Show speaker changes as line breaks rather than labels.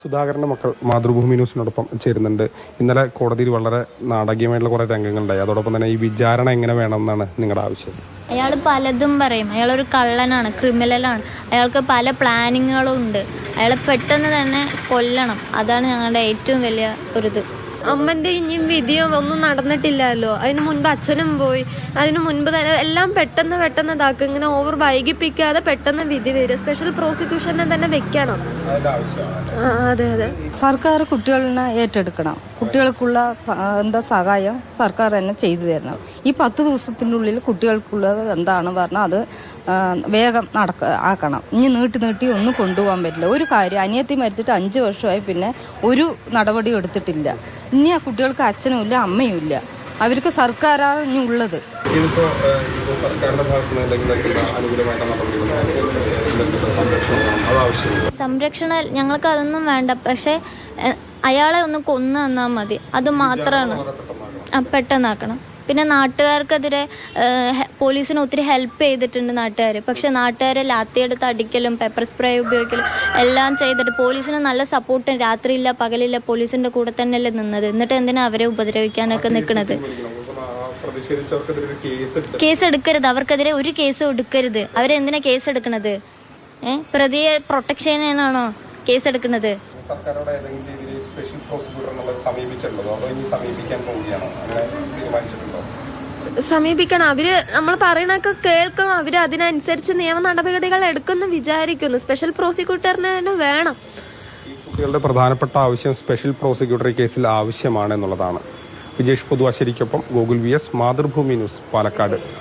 സുധാകരന്റെ മക്കൾ മാതൃഭൂമി ന്യൂസിനോടൊപ്പം ചേരുന്നുണ്ട്. ഇന്നലെ കോടതിയിൽ വളരെ നാടകീയമായിട്ടുള്ള കുറെ രംഗങ്ങളുണ്ടായി. അതോടൊപ്പം തന്നെ ഈ വിചാരണ എങ്ങനെ വേണമെന്നാണ് നിങ്ങളുടെ ആവശ്യം?
അയാൾ പലതും പറയും. അയാളൊരു കള്ളനാണ്, ക്രിമിനലാണ്. അയാൾക്ക് പല പ്ലാനിങ്ങുകളും ഉണ്ട്. അയാളെ പെട്ടെന്ന് തന്നെ കൊല്ലണം. അതാണ് ഞങ്ങളുടെ ഏറ്റവും വലിയ ഒരിത്.
അമ്മൻ്റെ ഇനിയും വിധിയോ ഒന്നും നടന്നിട്ടില്ലല്ലോ. അതിന് മുൻപ് അച്ഛനും പോയി. അതിന് മുൻപ് തന്നെ എല്ലാം പെട്ടെന്ന് ഇതാക്കും. ഇങ്ങനെ ഓവർ വൈകിപ്പിക്കാതെ പെട്ടെന്ന് വിധി വരിക. സ്പെഷ്യൽ പ്രോസിക്യൂഷനെ തന്നെ വെക്കണം. അതെ.
സർക്കാർ കുട്ടികളെ ഏറ്റെടുക്കണം. കുട്ടികൾക്കുള്ള സഹായം സർക്കാർ തന്നെ ചെയ്തു തരണം. ഈ 10 ദിവസത്തിനുള്ളിൽ കുട്ടികൾക്കുള്ളത് എന്താണെന്ന് പറഞ്ഞാൽ അത് വേഗം ആക്കണം. ഇനി നീട്ടി ഒന്നും കൊണ്ടുപോകാൻ പറ്റില്ല. ഒരു കാര്യം, അനിയത്തി മരിച്ചിട്ട് 5 വർഷമായി, പിന്നെ ഒരു നടപടി എടുത്തിട്ടില്ല. ഇനി ആ കുട്ടികൾക്ക് അച്ഛനും ഇല്ല, അമ്മയും ഇല്ല. അവർക്ക് സർക്കാരാണ് ഇനി ഉള്ളത്.
സംരക്ഷണം ഞങ്ങൾക്ക് അതൊന്നും വേണ്ട. പക്ഷെ അയാളെ ഒന്ന് കൊന്നു തന്നാൽ മതി. അത് മാത്രമാണ്. പെട്ടെന്നാക്കണം. പിന്നെ നാട്ടുകാർക്കെതിരെ പോലീസിന് ഒത്തിരി ഹെൽപ്പ് ചെയ്തിട്ടുണ്ട് നാട്ടുകാർ. പക്ഷെ നാട്ടുകാരെ ലാത്തിയെടുത്ത് അടിക്കലും പെപ്പർ സ്പ്രേ ഉപയോഗിക്കലും എല്ലാം ചെയ്തിട്ട് പോലീസിന് നല്ല സപ്പോർട്ട് രാത്രിയില്ല പകലില്ല പോലീസിൻ്റെ കൂടെ തന്നെയല്ലേ നിന്നത്. എന്നിട്ട് എന്തിനാ അവരെ ഉപദ്രവിക്കാനൊക്കെ നിൽക്കുന്നത്? കേസ് എടുക്കരുത്. അവർക്കെതിരെ ഒരു കേസും എടുക്കരുത്. അവരെന്തിനാ കേസ് എടുക്കണത്? പ്രതിയെ പ്രൊട്ടക്ഷൻ ചെയ്യാനാണോ കേസ് എടുക്കുന്നത്?
സമീപിക്കണം. അവര് നമ്മൾ പറയണൊക്കെ കേൾക്കും. അവര് അതിനനുസരിച്ച് നിയമ നടപടികൾ എടുക്കുന്നു വിചാരിക്കുന്നു. സ്പെഷ്യൽ പ്രോസിക്യൂട്ടറിന് തന്നെ വേണം.
കുട്ടികളുടെ പ്രധാനപ്പെട്ട ആവശ്യം സ്പെഷ്യൽ പ്രോസിക്യൂട്ടർ കേസിൽ ആവശ്യമാണ് എന്നുള്ളതാണ്. വിജേഷ് പൊതുവാശ്ശേരിക്കൊപ്പം ഗോകുൽ VS, മാതൃഭൂമി ന്യൂസ്, പാലക്കാട്.